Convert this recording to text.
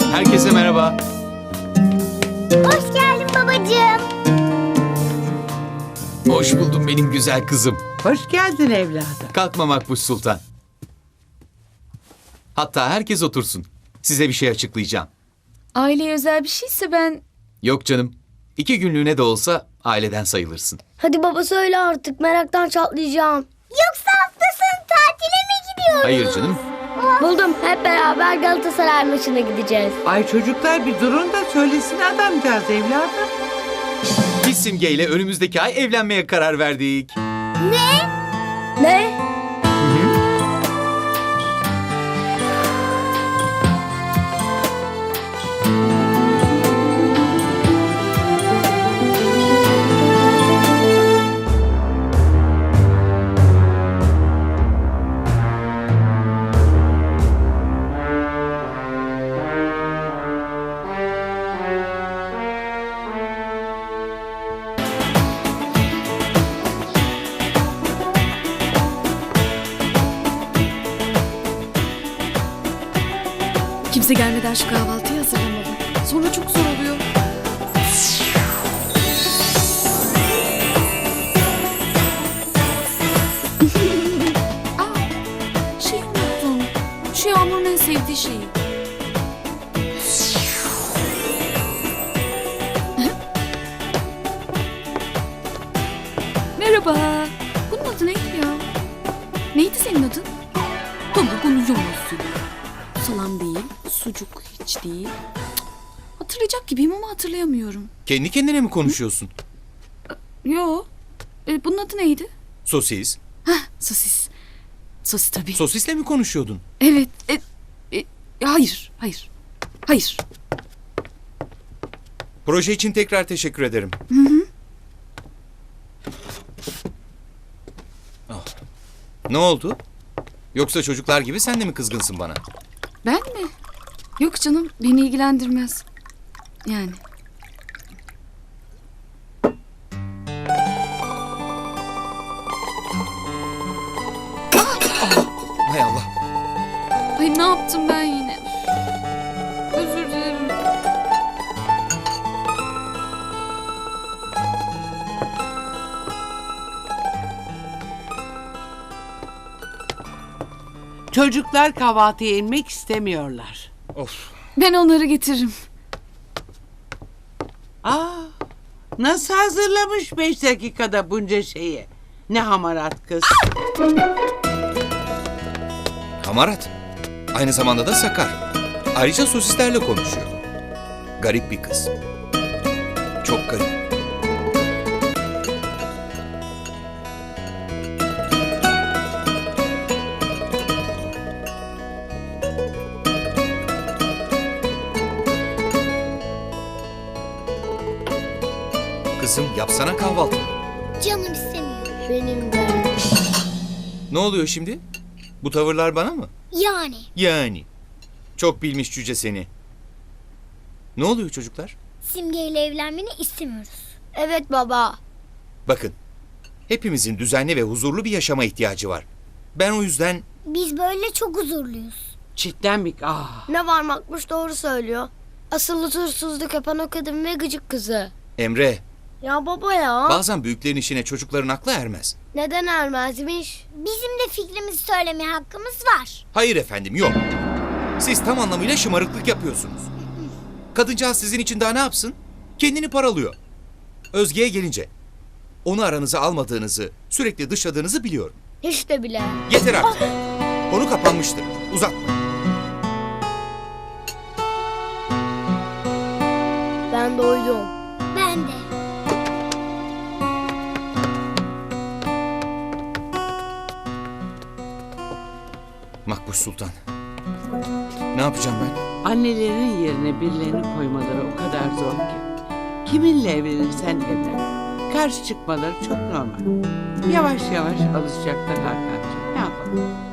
Herkese merhaba. Hoş geldin babacığım. Hoş buldum benim güzel kızım. Hoş geldin evladım. Kalkma Makbuş Sultan. Hatta herkes otursun. Size bir şey açıklayacağım. Aileye özel bir şeyse ben... Yok canım. 2 günlüğüne de olsa aileden sayılırsın. Hadi baba söyle artık, meraktan çatlayacağım. Yoksa hafta sonu tatile mi gidiyoruz? Hayır canım. Buldum, hep beraber Galatasaray maçına gideceğiz. Ay çocuklar bir durun da söylesin adamcağız evladım. Biz Simge ile önümüzdeki ay evlenmeye karar verdik. Ne? Kimse gelmeden şu kahvaltıyı hazırlamalı. Sonra çok zor oluyor. Şeyi unuttum. Şu Yağmur'un en sevdiği şeyi. Merhaba. Bunun adı neydi ya? Neydi senin adın? Tavuk unuyormuşsun. Salam değil, sucuk hiç değil. Hatırlayacak gibiyim ama hatırlayamıyorum. Kendi kendine mi konuşuyorsun? Yo. Bunun adı neydi? Sosis. Sosis. Sosis tabii. Sosisle mi konuşuyordun? Evet. Hayır. Hayır. Proje için tekrar teşekkür ederim. Ah. Ne oldu? Yoksa çocuklar gibi sen de mi kızgınsın bana? Ben mi? Yok canım, beni ilgilendirmez. Yani. Hay Allah. Ay ne yaptım ben yine? Özür dilerim. Çocuklar kahvaltıya inmek istemiyorlar. Of. Ben onları getiririm. Nasıl hazırlamış 5 dakikada bunca şeyi? Ne hamarat kız. Hamarat. Aynı zamanda da sakar. Ayrıca sosislerle konuşuyor. Garip bir kız. Çok garip. Kızım yapsana kahvaltı. Canım istemiyor. Benim de. Ne oluyor şimdi? Bu tavırlar bana mı? Yani. Çok bilmiş cüce seni. Ne oluyor çocuklar? Simge ile evlenmeni istemiyoruz. Evet baba. Bakın. Hepimizin düzenli ve huzurlu bir yaşama ihtiyacı var. Ben o yüzden... Biz böyle çok huzurluyuz. Cidden mi? Ne var Makbuş doğru söylüyor. Asıl huzursuzluk yapan o kadın ve gıcık kızı. Emre, Ya baba ya. bazen büyüklerin işine çocukların aklı ermez. Neden ermezmiş? Bizim de fikrimizi söylemeye hakkımız var. Hayır efendim, yok. Siz tam anlamıyla şımarıklık yapıyorsunuz. Kadıncağız sizin için daha ne yapsın? Kendini paralıyor. Özge'ye gelince, onu aranıza almadığınızı, sürekli dışladığınızı biliyorum. Hiç de bile. Yeter artık. Konu kapanmıştır. Uzatma. Ben doydum. Ben de. Makbuş Sultan. Ne yapacağım ben? Annelerin yerine birilerini koymaları o kadar zor ki. Kiminle evlenirsen evlen. Karşı çıkmaları çok normal. Yavaş yavaş alışacaklar Hakan'cığım. Ne yapalım?